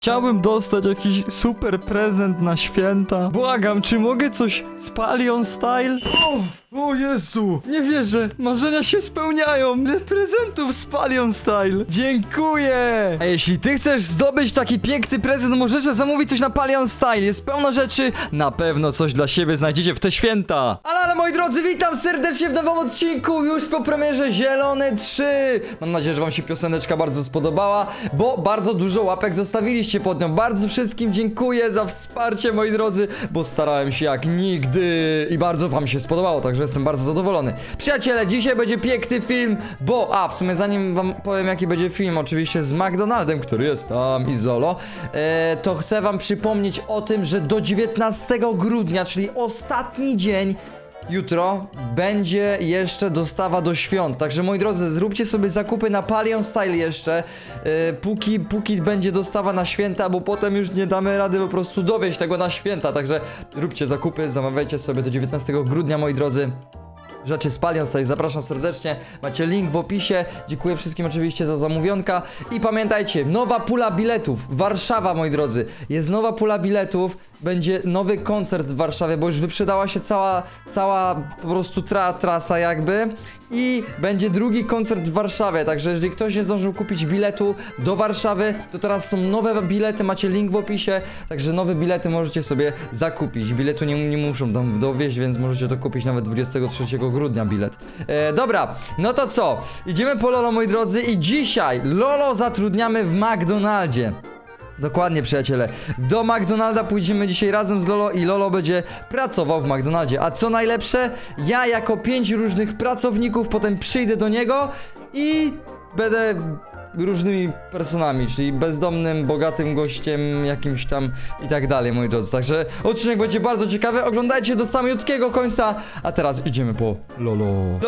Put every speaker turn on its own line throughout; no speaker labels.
Chciałbym dostać jakiś super prezent na święta. Błagam, czy mogę coś z Palion Style? O Jezu, nie wierzę, marzenia się spełniają. Ile prezentów z Palion Style. Dziękuję. A jeśli ty chcesz zdobyć taki piękny prezent, możesz zamówić coś na Palion Style. Jest pełno rzeczy, na pewno coś dla siebie znajdziecie w te święta. Ale moi drodzy, witam serdecznie w nowym odcinku, już po premierze Zielony 3. Mam nadzieję, że wam się pioseneczka bardzo spodobała, bo bardzo dużo łapek zostawiliście pod nią. Bardzo wszystkim dziękuję za wsparcie, moi drodzy, bo starałem się jak nigdy i bardzo wam się spodobało, także jestem bardzo zadowolony. Przyjaciele, dzisiaj będzie piękny film, bo, w sumie zanim wam powiem jaki będzie film, oczywiście z McDonaldem, który jest tam i z Lolo, to chcę wam przypomnieć o tym, że do 19 grudnia, czyli ostatni dzień, jutro będzie jeszcze dostawa do świąt. Także moi drodzy, zróbcie sobie zakupy na Palion Style jeszcze, póki będzie dostawa na święta, bo potem już nie damy rady po prostu dowieźć tego na święta. Także róbcie zakupy, zamawiajcie sobie do 19 grudnia, moi drodzy. Rzeczy z Palion Style, zapraszam serdecznie, macie link w opisie. Dziękuję wszystkim oczywiście za zamówionka. I pamiętajcie, nowa pula biletów, Warszawa, moi drodzy. Jest nowa pula biletów, będzie nowy koncert w Warszawie, bo już wyprzedała się cała po prostu trasa jakby. I będzie drugi koncert w Warszawie, także jeżeli ktoś nie zdążył kupić biletu do Warszawy, to teraz są nowe bilety, macie link w opisie. Także nowe bilety możecie sobie zakupić. Biletu nie muszą tam dowieźć, więc możecie to kupić nawet 23 grudnia bilet. Dobra, no to co? Idziemy po Lolo, moi drodzy, i dzisiaj Lolo zatrudniamy w McDonaldzie. Dokładnie, przyjaciele. Do McDonalda pójdziemy dzisiaj razem z Lolo i Lolo będzie pracował w McDonaldzie. A co najlepsze, ja jako 5 różnych pracowników potem przyjdę do niego i będę różnymi personami, czyli bezdomnym, bogatym gościem, jakimś tam i tak dalej, moi drodzy. Także odcinek będzie bardzo ciekawy, oglądajcie do samiutkiego końca. A teraz idziemy po Lolo.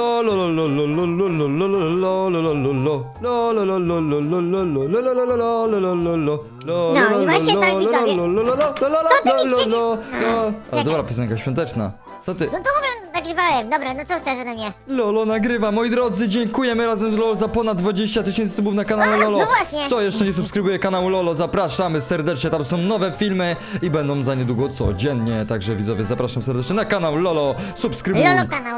No i właśnie tak, widzowie. Co ty mi krzyczysz?
Dobra, piosenka świąteczna. Co ty?
No dobra, nagrywałem. Dobra, no co chcesz ode mnie?
Lolo nagrywa, moi drodzy, dziękujemy razem z Lolo za ponad 20 000 subów na kanale Lolo.
no właśnie.
Kto jeszcze nie subskrybuje kanału Lolo, zapraszamy serdecznie, tam są nowe filmy i będą za niedługo codziennie. Także widzowie, zapraszam serdecznie na kanał Lolo, subskrybuj.
Lolo kanał.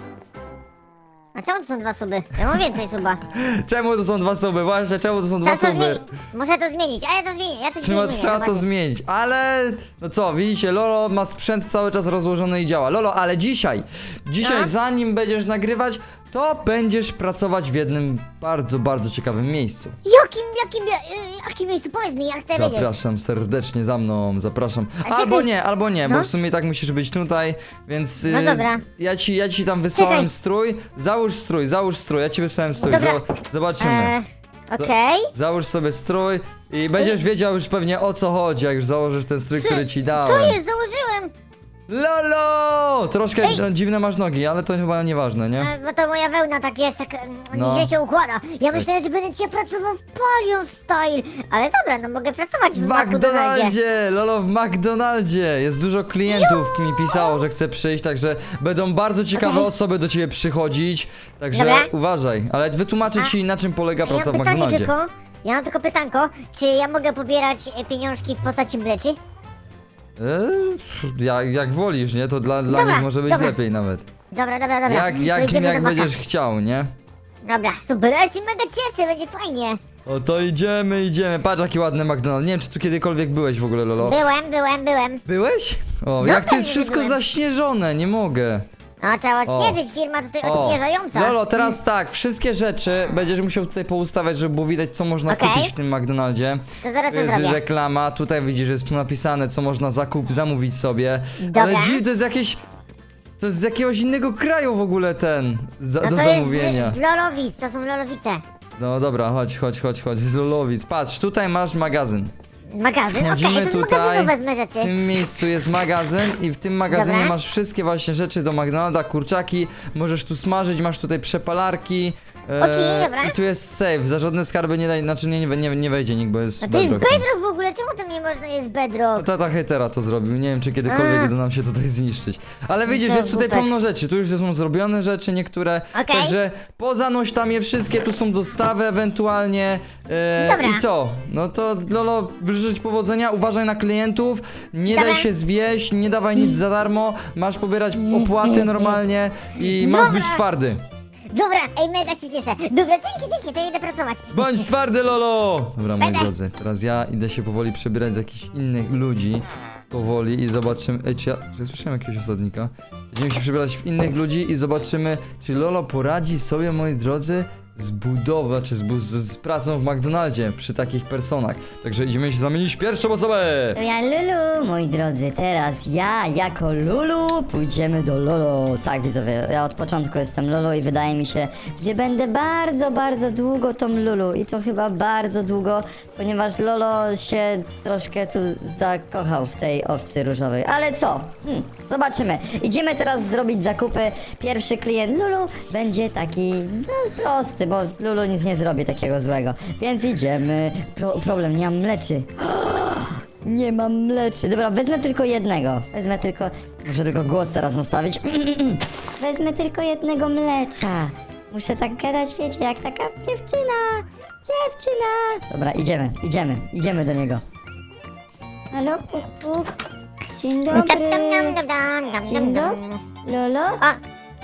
A czemu to są 2 suby? Ja mam więcej suba.
Czemu to są 2 suby? Właśnie, czemu to są 2
Trzeba to
suby?
zmienić. Muszę to zmienić, a ja to zmienię. Ja to
Trzeba to
zobaczysz.
zmienić, ale no co, widzicie, Lolo ma sprzęt cały czas rozłożony i działa. Lolo, ale dzisiaj
No.
zanim będziesz nagrywać, to będziesz pracować w jednym bardzo, bardzo ciekawym miejscu.
Jakim miejscu? Powiedz mi, ja chcę wiedzieć.
Zapraszam serdecznie za mną, zapraszam.
A
Albo nie,
No.
bo w sumie tak musisz być tutaj, więc
No dobra.
ja ci tam wysłałem
Czekaj.
strój. Załóż strój, ja ci wysłałem strój.
Dobra.
Zobaczymy.
Okej.
Załóż sobie strój i będziesz wiedział już pewnie o co chodzi, jak już założysz ten strój, który ci
Co
dałem.
jest? Założyłem.
Lolo! Troszkę
Ej.
dziwne masz nogi, ale to chyba nieważne, nie?
Bo to moja wełna tak wiesz, tak
No.
źle się układa. Ja myślałem, że będę dzisiaj pracował w Palion Style. Ale dobra, no mogę pracować w
W
McDonaldzie.
McDonaldzie! Lolo, w McDonaldzie! Jest dużo klientów, mi pisało, że chce przyjść, także będą bardzo ciekawe
Okej.
osoby do ciebie przychodzić. Także
Dobra.
uważaj, ale wytłumaczę ci, na czym polega
Ja mam
praca w
pytanie
McDonaldzie.
ja mam tylko pytanko, czy ja mogę pobierać pieniążki w postaci mleczy?
Jak wolisz, nie? To dla
Dobra,
nich może być
dobra.
lepiej nawet.
Dobra. To
Jak
idziemy do
będziesz
baka.
chciał, nie?
Dobra, super, ja się mega cieszę, będzie fajnie.
O to idziemy. Patrz jaki ładny McDonald's. Nie wiem, czy tu kiedykolwiek byłeś w ogóle, Lolo.
Byłem.
Byłeś? O,
No
jak to
pewnie,
jest
że
wszystko
byłem.
zaśnieżone, nie mogę.
No trzeba odśnieżyć, firma tutaj odśnieżająca.
Lolo, teraz tak, wszystkie rzeczy będziesz musiał tutaj poustawiać, żeby było widać, co można
Okej.
kupić w tym McDonaldzie.
To zaraz
Tu
to
jest
zrobię.
reklama, tutaj widzisz, że jest napisane, co można zamówić sobie.
Dobra.
Ale dziw, to jest jakieś... To jest z jakiegoś innego kraju w ogóle ten,
No
do
to
zamówienia.
jest z Lolowic, to są Lolowice.
No dobra, chodź, z Lolowic. Patrz, tutaj masz magazyn.
Magazyn, okej,
Schodzimy
to z
tutaj,
magazynu wezmę
w
rzeczy.
tym miejscu jest magazyn i w tym magazynie
Dobra.
masz wszystkie właśnie rzeczy do McDonalda, kurczaki, możesz tu smażyć, masz tutaj przepalarki,
Okej, dobra.
I tu jest save, za żadne skarby nie daj, znaczy nie wejdzie nikt, bo jest
No to jest
bedrock.
bedrock w ogóle, czemu tam nie można jest bedrock?
Tata hejtera to zrobił, nie wiem czy kiedykolwiek
A.
uda nam się tutaj zniszczyć. Ale widzisz,
To
jest tutaj
super.
pełno rzeczy, tu już są zrobione rzeczy niektóre,
Okej.
także pozanoś tam je wszystkie, tu są dostawy ewentualnie.
Dobra.
I co? No to Lolo, życzę ci powodzenia, uważaj na klientów, nie
Dobra.
daj się zwieść, nie dawaj nic za darmo, masz pobierać opłaty normalnie i masz
Dobra.
być twardy.
Dobra, ej, mega się cieszę. Dobra, dzięki, to idę pracować.
Bądź twardy, Lolo! Dobra, moi
Będę.
drodzy, teraz ja idę się powoli przebierać z jakichś innych ludzi. Powoli i zobaczymy. Ej, czy ja słyszałem jakiegoś osadnika? Będziemy się przebierać w innych ludzi i zobaczymy, czy Lolo poradzi sobie, moi drodzy, z budową, czy z pracą w McDonaldzie przy takich personach. Także idziemy się zamienić w pierwszą osobę!
To ja Lulu, moi drodzy, teraz ja jako Lulu pójdziemy do Lolo. Tak, widzowie, ja od początku jestem Lulu i wydaje mi się, że będę bardzo, bardzo długo tą Lulu i to chyba bardzo długo, ponieważ Lolo się troszkę tu zakochał w tej owcy różowej. Ale co? Zobaczymy. Idziemy teraz zrobić zakupy. Pierwszy klient Lulu będzie taki, no, prosty, bo Lulu nic nie zrobi takiego złego. Więc idziemy. Problem, nie mam mleczy. Nie mam mleczy. Dobra, wezmę tylko jednego. Muszę tylko głos teraz nastawić. Wezmę tylko jednego mlecza. Muszę tak gadać, wiecie, jak taka dziewczyna. Dobra, idziemy do niego. Halo, puk, puk. Dzień dobry. Dzień dobry. Lolo?
A,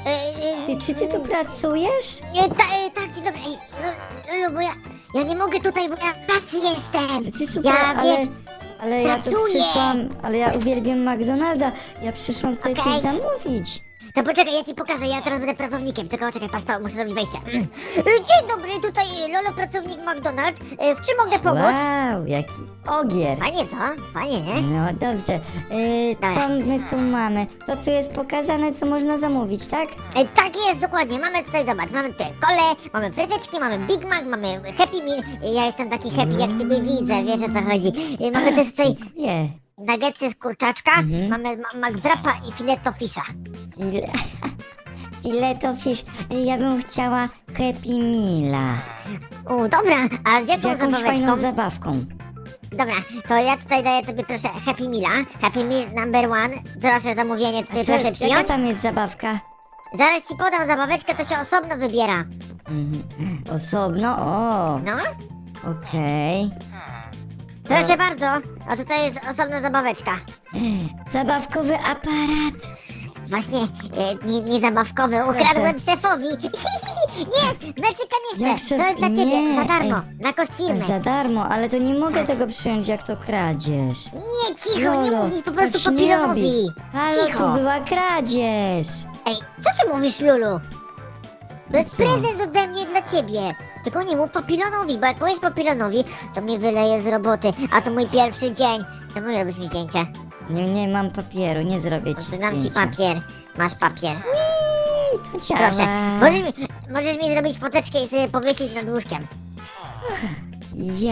Czy ty tu pracujesz?
tak, dzień dobry. Ej, Lulu, bo ja nie mogę tutaj, bo ja w pracy jestem.
Czy ty tu
Ja, wiesz,
ale ja tu
pracuję.
przyszłam, ale ja uwielbiam McDonalda. Ja przyszłam tutaj
Okej.
coś zamówić.
to poczekaj, ja ci pokażę, ja teraz będę pracownikiem. Tylko czekaj, patrz to, muszę zrobić wejście. Dzień dobry, tutaj Lolo, pracownik McDonald. W czym mogę pomóc?
Wow, jaki ogier.
Fajnie, co? Fajnie, nie?
No dobrze. Co
Dobra.
my tu mamy? To tu jest pokazane, co można zamówić, tak?
Tak jest, dokładnie. Mamy tutaj, zobacz, mamy tutaj kole, mamy fryteczki, mamy Big Mac, mamy Happy Meal. Ja jestem taki happy, jak ciebie widzę, wiesz o co chodzi. Mamy też tutaj
Nie.
nuggetsy z kurczaczka, mamy McWrapa i filetto fisha.
Ile... Fileto fish. Ja bym chciała Happy Meala.
Dobra, a z
Z
jaką
jakąś
zabaweczką?
fajną zabawką.
Dobra, to ja tutaj daję tobie proszę Happy Meala. Happy Meal number one. Proszę zamówienie tutaj proszę
Jaka
przyjąć.
tam jest zabawka?
Zaraz ci podam zabaweczkę, to się osobno wybiera.
Osobno? O,
No,
okej.
proszę bardzo. A tutaj jest osobna zabaweczka.
Zabawkowy aparat.
Właśnie, nie zabawkowy, ukradłem szefowi. Nie, meczyka nie
Jak
chcę.
szef-
To jest dla ciebie,
nie,
za darmo,
ej.
na koszt firmy.
Za darmo, ale to nie mogę tego przyjąć, jak to kradzież.
Nie, cicho, nie
Lolo,
mów nic po prostu
tak się nie
papilonowi.
robi. Halo,
Cicho.
tu była kradzież.
Ej, co ty mówisz, Lulu? To jest
Co?
prezent ode mnie dla ciebie. Tylko nie mów papilonowi, bo jak powiesz papilonowi, to mnie wyleje z roboty, a to mój pierwszy dzień. Czemu robisz mi zdjęcie?
Nie mam papieru, nie zrobię ci
To dam ci
zdjęcia.
papier. Masz papier.
To działa.
Proszę. Możesz mi zrobić foteczkę i sobie powiesić nad łóżkiem.
Ja.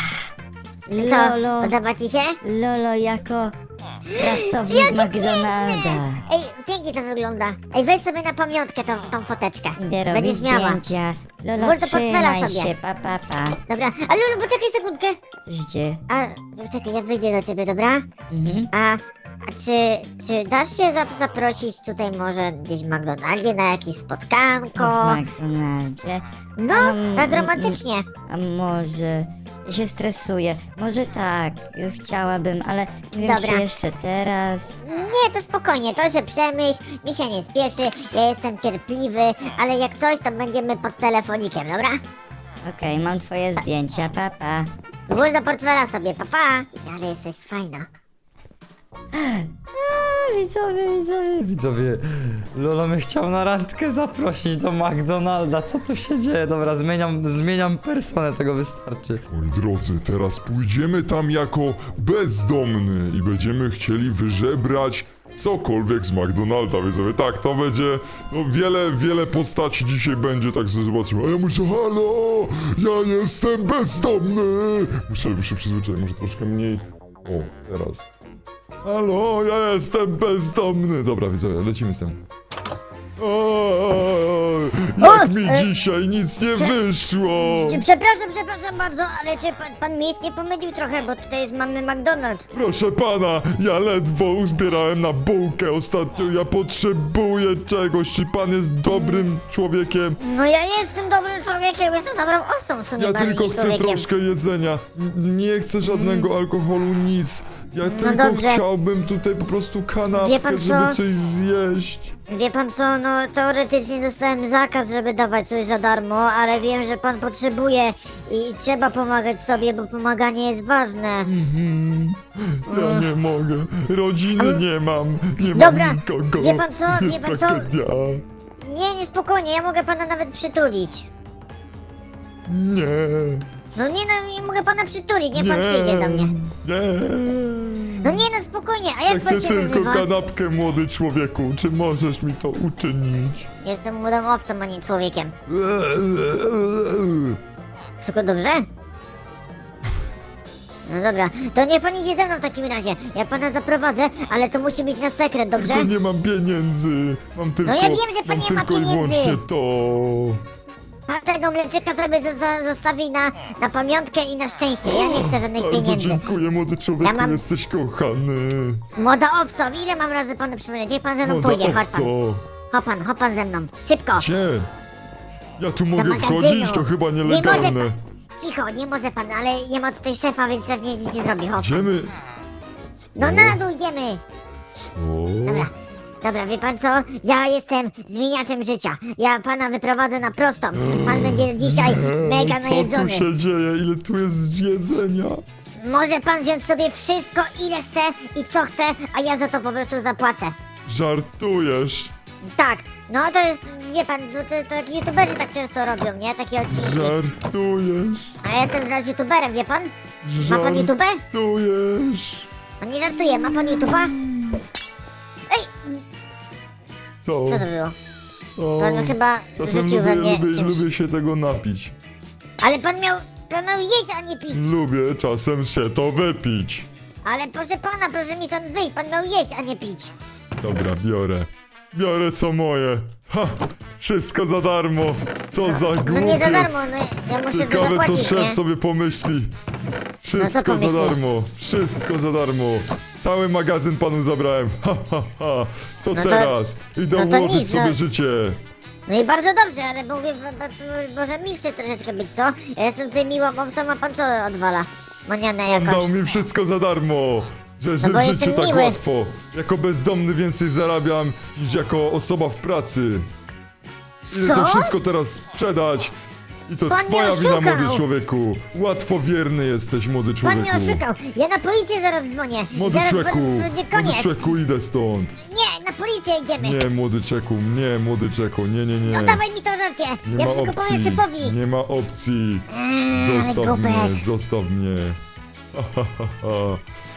Co,
Lolo,
podoba ci się?
Lolo jako pracownik McDonalda.
Ej, pięknie to wygląda. Ej, weź sobie na pamiątkę tą foteczkę.
Idę robić
Będziesz miała.
zdjęcia. Lolo,
Włóż do portfela
trzymaj
sobie.
się, pa.
Dobra, a Lulu, poczekaj sekundkę.
Coś dzieje.
A, czekaj, ja wyjdę do ciebie, dobra?
Mhm.
A czy dasz się zaprosić tutaj może gdzieś w McDonaldzie na jakieś spotkanko?
W McDonaldzie.
No, tak romantycznie.
A może... Ja się stresuję. Może tak, chciałabym, ale nie wiem,
Dobra.
czy jeszcze teraz.
Nie, to spokojnie, to się przemyśl, mi się nie spieszy, ja jestem cierpliwy, ale jak coś, to będziemy pod telefonikiem, dobra?
Okej, mam twoje zdjęcia, pa.
Włóż do portfela sobie, papa. Ale jesteś fajna.
Widzowie, Lolo mnie chciał na randkę zaprosić do McDonalda. Co tu się dzieje? Dobra, zmieniam personę, tego wystarczy.
Moi drodzy, teraz pójdziemy tam jako bezdomny i będziemy chcieli wyżebrać cokolwiek z McDonalda, widzowie. Tak, to będzie, no wiele postaci dzisiaj będzie, tak sobie zobaczymy. A ja muszę, halo, ja jestem bezdomny. Muszę przyzwyczaić, może troszkę mniej. O, teraz. Halo, ja jestem bezdomny. Dobra, widzowie, lecimy z tym. Jak mi dzisiaj nic nie wyszło!
Przepraszam bardzo, ale czy pan miejsc nie pomylił trochę, bo tutaj mamy McDonald's.
Proszę pana, ja ledwo uzbierałem na bułkę ostatnio, ja potrzebuję czegoś. Czy pan jest dobrym człowiekiem?
No ja jestem dobrym człowiekiem, jestem dobrą owcą w sumie
Ja
bardziej
tylko
niż
chcę
człowiekiem.
troszkę jedzenia. Nie chcę żadnego alkoholu, nic. Ja tylko
dobrze.
chciałbym tutaj po prostu
Wie
kanapkę,
pan co?
żeby coś zjeść.
Wie pan co, no teoretycznie dostałem zakaz, żeby dawać coś za darmo, ale wiem, że pan potrzebuje i trzeba pomagać sobie, bo pomaganie jest ważne.
Ja nie mogę. Rodziny nie mam. Nie
Dobra,
mam nikogo.
wie pan co,
Jest
wie pan co?
tragedia.
Nie, spokojnie, ja mogę pana nawet przytulić.
Nie.
No nie mogę pana przytulić, nie
Nie.
pan przyjdzie do mnie.
Nie.
No nie no spokojnie, a
Ja
jak pan
chcę
się
tylko
nazywa?
kanapkę, młody człowieku. Czy możesz mi to uczynić?
Jestem młodą owcą, a nie człowiekiem. Wszystko dobrze? No dobra, to niech pan idzie ze mną w takim razie. Ja pana zaprowadzę, ale to musi być na sekret, dobrze?
Tylko nie mam pieniędzy. Mam tylko.
ja wiem, że pan
mam
nie ma
tylko i
pieniędzy.
wyłącznie to.
Pan tego mleczyka sobie zostawi na pamiątkę i na szczęście. Ja nie chcę żadnych
Bardzo
pieniędzy.
dziękuję, młody człowieku,
Ja mam-
jesteś kochany.
Młoda owco, ile mam razy panu przypomnieć? Niech pan ze mną
Młoda
pójdzie, chodź pan.
owco.
Hop pan ze mną. Szybko.
Gdzie? Ja tu mogę
magazynu.
wchodzić? To chyba
Nie
nielegalne.
może Cicho, nie może pan, ale nie ma tutaj szefa, więc szef nic nie zrobi, hop.
Idziemy.
No na dół idziemy.
Co?
Dobra, wie pan co? Ja jestem zmieniaczem życia. Ja pana wyprowadzę na prostą. Pan będzie dzisiaj mega
Co tu
najedzony.
się dzieje? Ile tu jest jedzenia?
Może pan wziąć sobie wszystko, ile chce i co chce, a ja za to po prostu zapłacę.
Żartujesz?
Tak, no to jest, wie pan, to taki youtuberzy tak często robią, nie? Takie odcinki.
Żartujesz?
A ja jestem teraz youtuberem, wie pan? Ma pan YouTube?
Żartujesz?
No nie żartuję, ma pan YouTube'a? Ej,
Co?
co to było?
O,
Pan chyba
czasem
rzucił we mnie czymś.
lubię się tego napić.
Ale pan miał jeść, a nie pić.
Lubię czasem się to wypić.
Ale proszę pana, proszę mi stąd wyjść, pan miał jeść, a nie pić.
Dobra, biorę. Biorę co moje. Ha! Wszystko za darmo. Co za
No
głupiec.
nie za darmo, no ja muszę to
Ciekawe co
zapłacić,
szef
nie?
sobie pomyśli. Wszystko za
pomyśli?
darmo. Wszystko za darmo. Cały magazyn panu zabrałem. Ha, ha, ha. Co
No to-
teraz? Idę
no to
ułożyć
nic,
sobie
no.
życie.
No i bardzo dobrze, ale mówię, może milszy troszeczkę być, co? Ja jestem tutaj miłą owcą, a pan co odwala? Manianę
On dał
jakąś.
mi wszystko za darmo. Że
bo
w życiu
jestem
tak
miły.
łatwo. Jako bezdomny więcej zarabiam niż jako osoba w pracy. Idę to
Co?
wszystko teraz sprzedać. I to
Pan mnie
twoja wina,
oszukał.
młody człowieku. Łatwowierny jesteś, młody
Pan
człowieku.
mnie oszukał. Ja na policję zaraz dzwonię.
Młody
Zaraz
człowieku,
będzie
młody
koniec.
człowieku, idę stąd.
Nie, na policję idziemy.
Nie, młody czeku, nie, młody czeku, nie, nie, nie.
No dawaj mi to żarcie.
Nie
Ja
ma
wszystko powiem
opcji,
szefowi.
nie ma opcji.
Ale
Zostaw
głupek.
mnie, zostaw mnie. Ha, ha, ha, ha.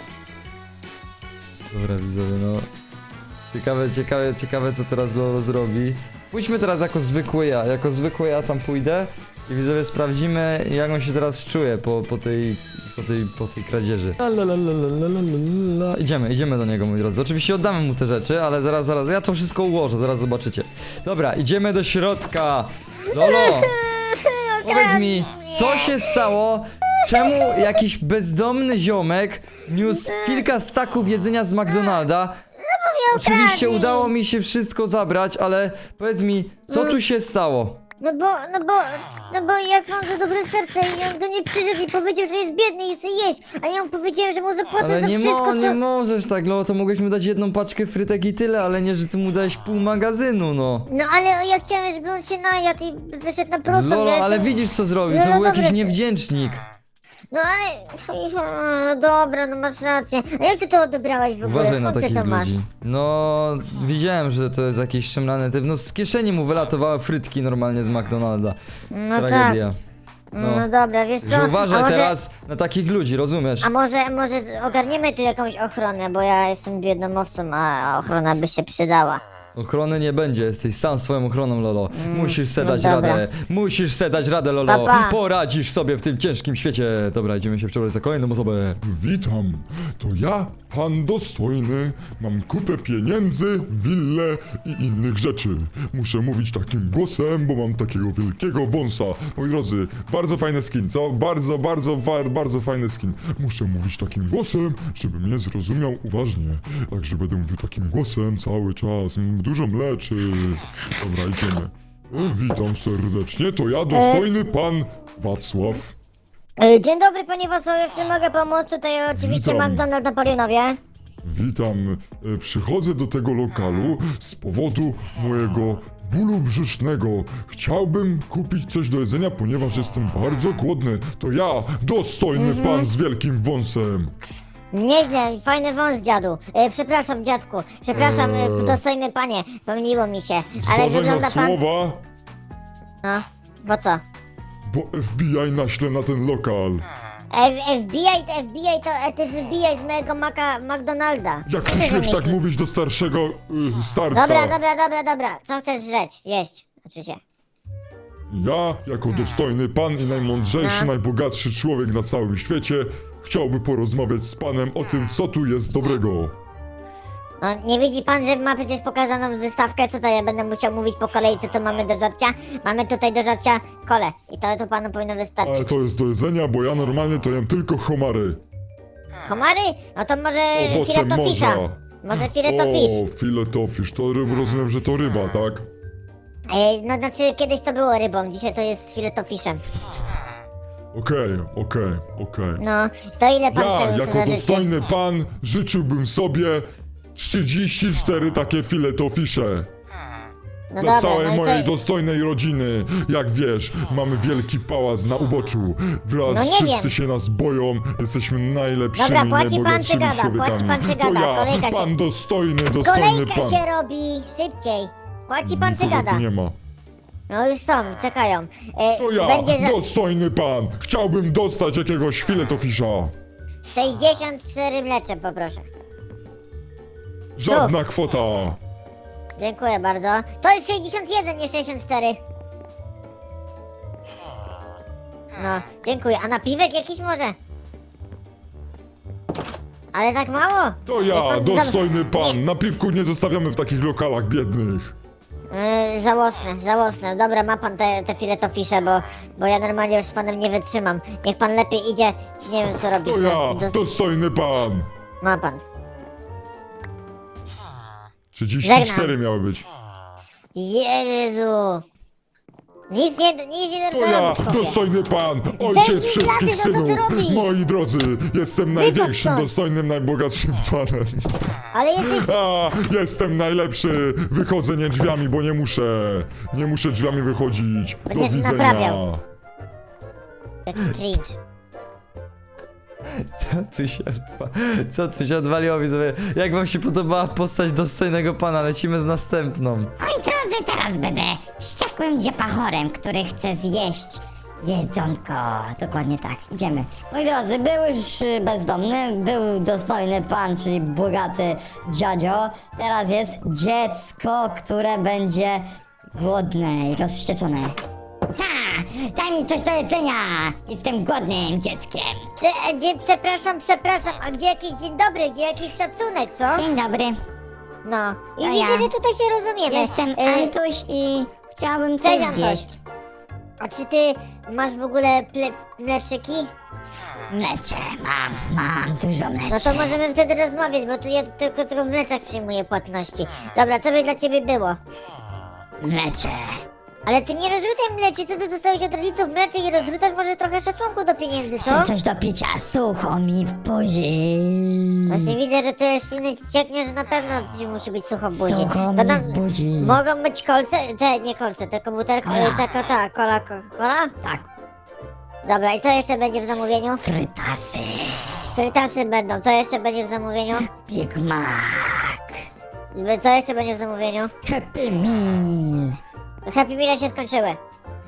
Dobra, widzowie, no. Ciekawe co teraz Lolo zrobi. Pójdźmy teraz jako zwykły ja tam pójdę i widzowie sprawdzimy jak on się teraz czuje po tej kradzieży. La, la, la, la, la, la, la, la. Idziemy do niego, moi drodzy. Oczywiście oddamy mu te rzeczy, ale zaraz, ja to wszystko ułożę, zaraz zobaczycie. Dobra, idziemy do środka. Lolo, powiedz mi, co się stało? Czemu jakiś bezdomny ziomek niósł kilka staków jedzenia z McDonalda? Oczywiście udało mi się wszystko zabrać, ale powiedz mi, co tu się stało?
No bo jak mam za dobre serce i on do mnie przyszedł i powiedział, że jest biedny i chce jeść, a ja mu powiedziałem, że mu zapłacę
Ale
za wszystko,
nie
co...
możesz tak, Lolo, to mogłeś mu dać jedną paczkę frytek i tyle, ale nie, że ty mu dałeś pół magazynu, no.
No ale ja chciałem, żeby on się najadł i wyszedł na prostą.
Lolo,
ja
ale
jestem-
widzisz co zrobił,
No,
to
no
był jakiś
dobra,
niewdzięcznik.
No ale... No dobra, no masz rację. A jak ty to odebrałeś w ogóle?
Uważaj na
Skąd ty
takich
to masz?
ludzi. No, widziałem, że to jest jakiś szemrany typ. No, z kieszeni mu wylatowały frytki normalnie z McDonalda.
No
Tragedia.
tak.
No.
No dobra, wiesz co?
Że uważaj
a może,
teraz na takich ludzi, rozumiesz?
A może ogarniemy tu jakąś ochronę, bo ja jestem biedną owcą, a ochrona by się przydała.
Ochrony nie będzie, jesteś sam swoją ochroną, Lolo. Musisz se
no
dać
dobra.
radę. Musisz se dać radę, Lolo.
Pa, pa.
Poradzisz sobie w tym ciężkim świecie. Dobra, idziemy się przebrać za kolejną osobę.
Witam. To ja, pan dostojny, mam kupę pieniędzy, willę i innych rzeczy. Muszę mówić takim głosem, bo mam takiego wielkiego wąsa. Moi drodzy, bardzo fajny skin, co? Bardzo fajny skin. Muszę mówić takim głosem, żeby mnie zrozumiał uważnie. Także będę mówił takim głosem cały czas. Dużo mleczy. Dobra, idziemy. Witam serdecznie, to ja, dostojny pan Wacław.
Dzień dobry, panie Wacławie, czy mogę pomóc? Tutaj oczywiście
Witam.
McDonald's Napoleonowie.
Witam. Przychodzę do tego lokalu z powodu mojego bólu brzusznego. Chciałbym kupić coś do jedzenia, ponieważ jestem bardzo głodny. To ja, dostojny pan z wielkim wąsem.
Nieźle, fajny wąs, dziadu. Przepraszam, dziadku. Przepraszam, dostojny panie, pomyliło mi się. Ale
Zważaj na
wygląda pan...
słowa,
No, bo co?
bo FBI naśle na ten lokal.
FBI to ty wybijaj z mojego McDonalda.
Jak
Co
ty
ty
śmiesz tak
wymyślił?
mówić do starszego starca?
Dobra. Co chcesz żreć? Jeść. Znaczy się.
Ja, jako dostojny pan i najmądrzejszy,
No.
najbogatszy człowiek na całym świecie, chciałby porozmawiać z panem o tym, co tu jest dobrego.
No, nie widzi pan, że ma przecież pokazaną wystawkę? Co to ja będę musiał mówić po kolei, co tu mamy do żarcia? Mamy tutaj do żarcia kole. I to panu powinno wystarczyć.
Ale to jest do jedzenia, bo ja normalnie to jem tylko homary.
Komary? No to może
Owoce
filetofisza.
morza.
Może filetofis.
O, filetofisz, to rozumiem, że to ryba, tak?
No znaczy kiedyś to było rybą, dzisiaj to jest filetofiszem.
Okej.
No, to ile pan
Ja,
chce
jako
za życie?
dostojny pan, życzyłbym sobie 34 takie filetofisze.
No
Dla
dobra,
całej
no i
mojej
co?
dostojnej rodziny. Jak wiesz, mamy wielki pałac na uboczu. Wraz
No nie
wszyscy
wiem.
się nas boją. Jesteśmy najlepszymi,
Dobra, płaci pan
najbogatszymi
czy gada?
człowiekami.
Płaci pan czy
To
gada?
ja,
Kolejka się-
pan dostojny
Kolejka
pan.
się robi, szybciej. Płaci pan czy
Nikogo
gada?
tu nie ma.
No już są, czekają.
To ja,
Będzie za
dostojny pan. Chciałbym dostać jakiegoś filetofisza.
64 mlecze poproszę.
Żadna kwota.
Dziękuję bardzo. To jest 61, nie 64. No, dziękuję. A napiwek jakiś może? Ale tak mało?
To
Jest
ja,
pan
dostojny pan.
Nie.
Na piwku nie zostawiamy w takich lokalach biednych.
Żałosne. Dobra, ma pan te filetofisze, bo ja normalnie już z panem nie wytrzymam. Niech pan lepiej idzie, nie wiem co robić.
To
no,
ja, dostojny pan.
Ma pan.
34
Żegnam.
miały być.
Jezu. Nic nie
To ja,
robić, chłopie.
dostojny pan, ojciec
Zejdź mi
wszystkich
klapy, no co ty
synów.
robisz?
Moi drodzy, jestem największym,
stąd.
dostojnym, najbogatszym panem.
Ale jesteś...
A, jestem najlepszy. Wychodzę nie drzwiami, bo nie muszę drzwiami wychodzić. Do
Będziesz
widzenia.
naprawiał. Jaki cringe.
Co tu się odwaliło, widzowie? Jak wam się podobała postać dostojnego pana? Lecimy z następną.
Moi drodzy, teraz będę wściekłym dziepachorem, który chce zjeść jedzonko.
Dokładnie tak, idziemy. Moi drodzy, był już bezdomny, był dostojny pan, czyli bogaty dziadzio. Teraz jest dziecko, które będzie głodne i rozwścieczone.
Ha! Daj mi coś do jedzenia! Jestem głodnym dzieckiem.
Przepraszam, a gdzie jakiś dzień dobry, gdzie jakiś szacunek, co?
Dzień dobry,
No, i
To
widzę,
ja.
że tutaj się rozumiemy.
jestem Antuś i chciałabym coś
Cześć, Antoś.
zjeść.
A czy ty masz w ogóle mleczyki?
Mlecze, mam dużo
No
mleczy.
to możemy wtedy rozmawiać, bo tu ja tylko w mleczach przyjmuję płatności. Dobra, co by dla ciebie było?
Mlecze.
Ale ty nie rozrzucaj mleczy, co ty dostałeś od rodziców mleczy i rozrzucasz może trochę szacunku do pieniędzy, co?
Chcę coś do picia, sucho mi w buzi.
Właśnie widzę, że ty jeszcze nie cieknie, że na pewno ci musi być sucho w buzi.
Sucho
To
mi
nam-
w buzi.
Mogą być kolce, nie kolce, te komputerki,
Kola.
kola?
Tak,
Dobra, i co jeszcze będzie w zamówieniu?
frytasy,
Frytasy będą, co jeszcze będzie w zamówieniu?
Big Mac,
Co jeszcze będzie w zamówieniu?
Happy Meal.
Happy Meal się skończyły.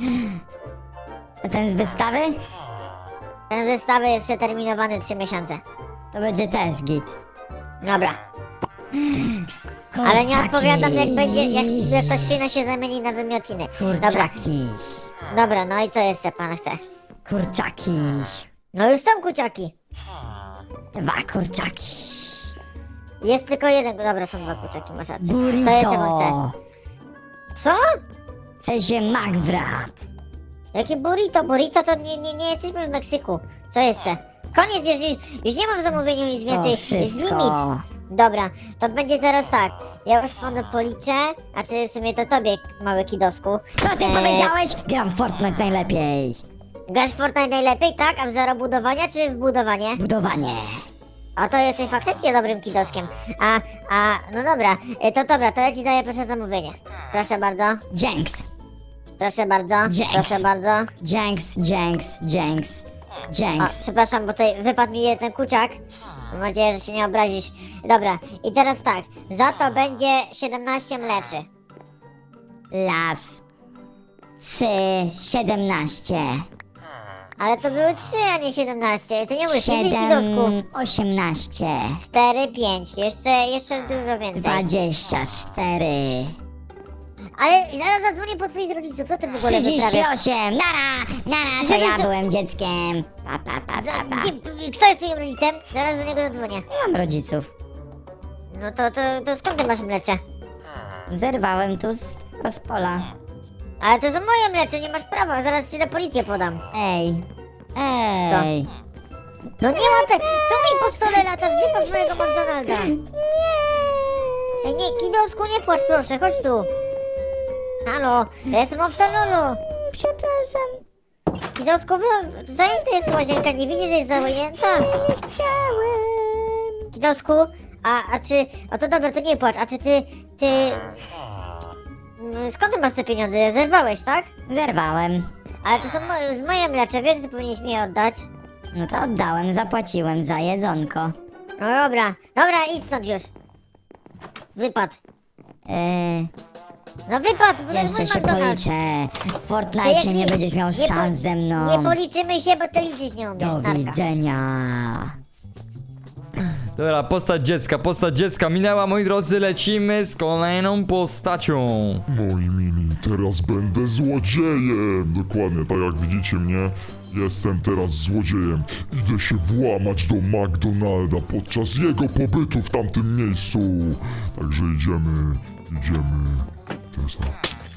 A ten z wystawy?
Ten wystawy jest przeterminowany 3 miesiące.
To będzie też git.
Dobra. Ale nie
Kurczaki.
odpowiadam jak będzie, jak ta ścina się zamieni na wymiociny. Dobra,
Kurczaki,
dobra, no i co jeszcze pan chce?
kurczaki.
No już są kuciaki.
2 kurczaki.
Jest tylko jeden, dobra, są 2 kurczaki, masz rację. Co jeszcze pan chce?
Burrito.
Co?
W sensie McWrap.
Jakie burrito? Burrito to nie jesteśmy w Meksyku. Co jeszcze? Koniec, już nie mam w zamówieniu nic
To
więcej. Jest limit.
wszystko.
Dobra, to będzie teraz tak. Ja już panu policzę, a czy w sumie to tobie, mały kidosku.
Co ty powiedziałeś? Gram w Fortnite najlepiej.
Grasz w Fortnite najlepiej, tak? A w zero budowania czy w budowanie?
Budowanie.
A to jesteś faktycznie dobrym kidoskiem. No dobra, to ja ci daję proszę zamówienie. Proszę bardzo,
Dzięks.
proszę bardzo,
Dzięks.
proszę bardzo.
Dzięks.
A, przepraszam, bo tutaj wypadł mi jeden kuciak. Mam nadzieję, że się nie obrazisz. Dobra, i teraz tak, za to będzie 17 mleczy.
Las. 17.
Ale to były 3, a nie 17. Ty nie mówisz, jesteś kidosku.
18.
4, 5, jeszcze dużo więcej.
24.
Ale zaraz zadzwonię po twoich rodziców, co ty w ogóle wyprawiasz?
38. Nara, to ja byłem dzieckiem. Pa.
Kto jest twoim rodzicem? Zaraz do niego zadzwonię.
Nie mam rodziców.
No to skąd ty masz mlecze?
Zerwałem tu z pola.
Ale to są moje mlecze, nie masz prawa, zaraz ci na policję podam.
Ej.
No nie ma te... Co mi po stole latasz? Wypadł z mojego McDonalda. Ej, nie, kidosku, nie płacz proszę, chodź tu. Halo, ja jestem owca Lulu.
Przepraszam.
Kidosku, zajęta jest łazienka, nie widzisz, że jest zajęta?
Chciałem.
Kidosku, a czy... O to dobra, to nie płacz, a czy ty... Skąd ty masz te pieniądze? Zerwałeś, tak?
Zerwałem.
Ale to są moje mlecze, wiesz, że ty powinieneś mi je oddać.
No to oddałem, zapłaciłem za jedzonko.
No dobra, idź stąd już. Wypad. No wypad, bo to jest mój
Jeszcze się
McDonald's.
policzę. W
To jak
Fortnite nie będziesz miał szans ze mną.
Nie policzymy się, bo to liczyć nie umiesz,
Do
narka.
widzenia.
Dobra, postać dziecka minęła, moi drodzy, lecimy z kolejną postacią.
Moi mini, teraz będę złodziejem. Dokładnie, tak jak widzicie mnie, jestem teraz złodziejem. Idę się włamać do McDonalda podczas jego pobytu w tamtym miejscu. Także idziemy. Teraz,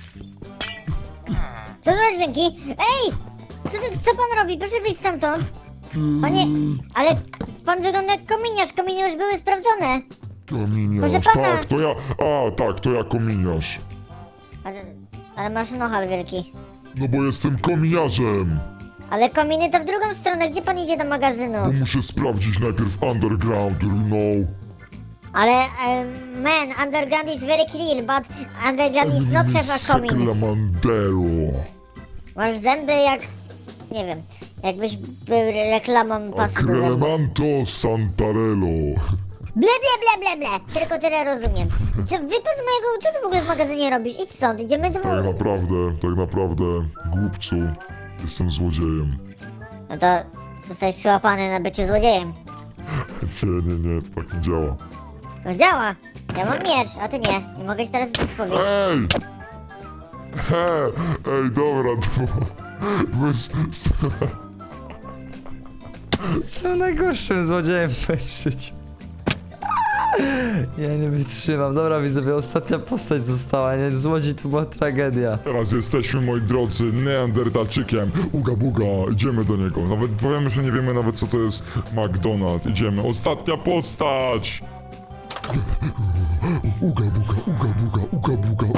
Co za dźwięki? Ej! Co pan robi? Proszę wyjść stamtąd. Panie, ale pan wygląda jak kominiarz. Kominy już były sprawdzone.
kominiarz,
Proszę pana.
tak, to ja, tak, to ja kominiarz.
Ale masz nohal wielki.
No bo jestem kominiarzem.
Ale kominy to w drugą stronę. Gdzie pan idzie do magazynu?
Bo muszę sprawdzić najpierw underground, you know.
Ale, man, underground is very clean, but underground is not have a komin.
Seclamandero.
Masz zęby jak... Nie wiem. Jakbyś był reklamą pasy do zębów.
Acrelemanto Santarello.
Ble. Tylko tyle rozumiem. Co, wypadł z mojego... Co ty w ogóle w magazynie robisz? Idź stąd, idziemy do...
Tak naprawdę, głupcu, jestem złodziejem.
No to zostałeś przyłapany na byciu złodziejem.
Nie, to tak nie działa.
No działa. Ja mam miecz, a ty nie. Nie mogę ci teraz powiedzieć.
Ej! Ej, dobra, to...
Jestem najgorszym złodziejem w moim życiu. Ja nie wytrzymam. Dobra, widzowie, ostatnia postać została, nie? Złodziej to była tragedia.
Teraz jesteśmy, moi drodzy, Neandertalczykiem. Uga buga, idziemy do niego. Nawet powiemy, że nie wiemy nawet co to jest McDonald's. Idziemy. Ostatnia postać! Uga buga.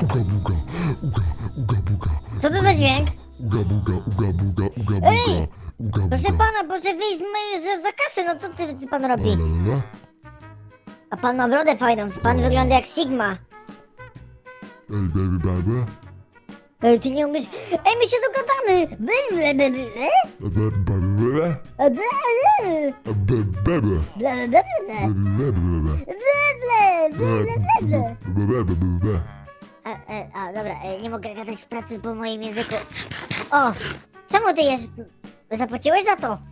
Co to za dźwięk?
Uga buga.
Ej! Proszę pana, proszę wyjść za kasy, no co ty pan robi? A pan ma brodę fajną, pan wygląda jak Sigma.
Ej, baby.
Ej, ty nie umiesz... Ej, my się dogadamy! Dobra, nie mogę gadać w pracy po moim języku. O! Czemu ty jesz... Zapłaciłeś za to?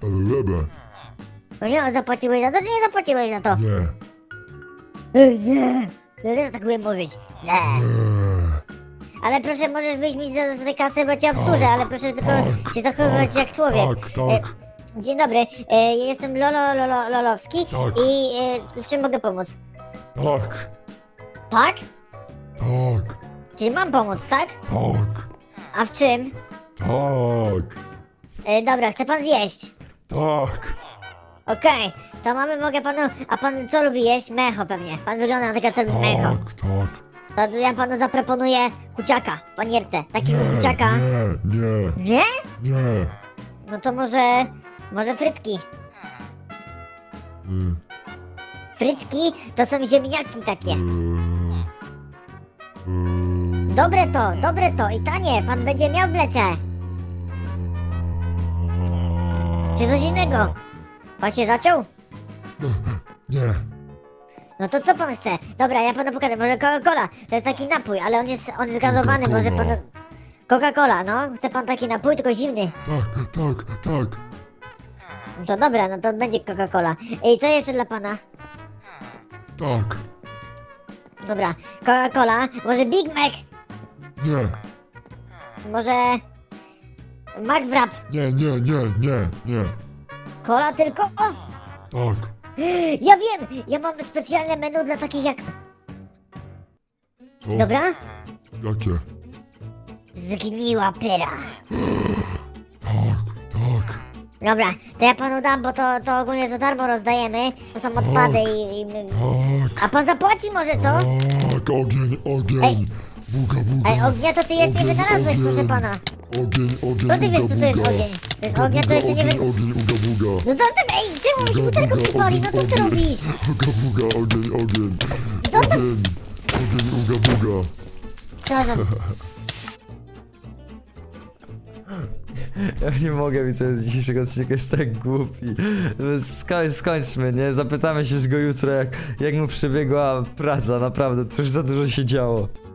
No nie, zapłaciłeś za to, czy nie zapłaciłeś za to?
Nie.
Nie! To też tak umiem mówić. Nie! Ale proszę, możesz wyjść mi za tej kasy, bo cię obsłużę, ale proszę tylko się zachowywać jak człowiek.
Tak.
Dzień dobry, jestem Lolowski
Tak.
i w czym mogę pomóc?
Tak,
Tak?
tak,
Czyli mam pomóc, tak?
tak,
A w czym?
tak,
Dobra, chce pan zjeść.
tak.
Okej, to mogę panu, a pan co lubi jeść? Mecho pewnie, pan wygląda na takiego, co lubi mecho.
Tak, tak.
To ja panu zaproponuję kuciaka w panierce, takiego
Nie,
kuciaka.
nie,
Nie?
nie.
No to może frytki.
Y,
Frytki to są ziemniaki takie.
y, y.
Dobre to i tanie, pan będzie miał w blecie. Czy coś innego? Pan się zaciął?
Nie,
No to co pan chce? Dobra, ja panu pokażę, może Coca-Cola. To jest taki napój, ale on jest gazowany, może pan... Coca-Cola, no. Chce pan taki napój, tylko zimny.
tak, tak, tak.
No to dobra, no to będzie Coca-Cola. I co jeszcze dla pana?
Tak,
Dobra, Coca-Cola, może Big Mac,
nie,
może... McWrap,
nie, nie, nie, nie, nie.
cola tylko? O!
Tak.
Ja wiem! Ja mam specjalne menu dla takich jak...
O,
Dobra?
Jakie?
Zgniła pyra.
Tak, tak,
Dobra, to ja panu dam, bo to ogólnie za darmo rozdajemy. To są odpady i...
tak.
A pan zapłaci może, co?
Tak, ogień, ogień.
Ej.
Buga, buga.
Ej, ognia to ty jeszcze nie
Ogień,
wynalazłeś, proszę
ogień.
pana.
Ogień, ogień,
No ty wiesz,
uga,
co to jest
buga.
ogień. To jest
Uga,
ognia, to
buga,
jeszcze nie
ogień,
wy...
ogień, uga, buga.
No co ty, ej, czemu mi się
Uga,
butelką
buga,
przypali? No co ty
ogień,
robisz?
Uga, buga, ogień, ogień.
Co to?
Ogień, ogień, uga, buga.
Co za...
Ja nie mogę, widzowie, z dzisiejszego odcinka jest tak głupi. Skończmy, nie? Zapytamy się już go jutro, jak mu przebiegła praca, naprawdę, to już za dużo się działo.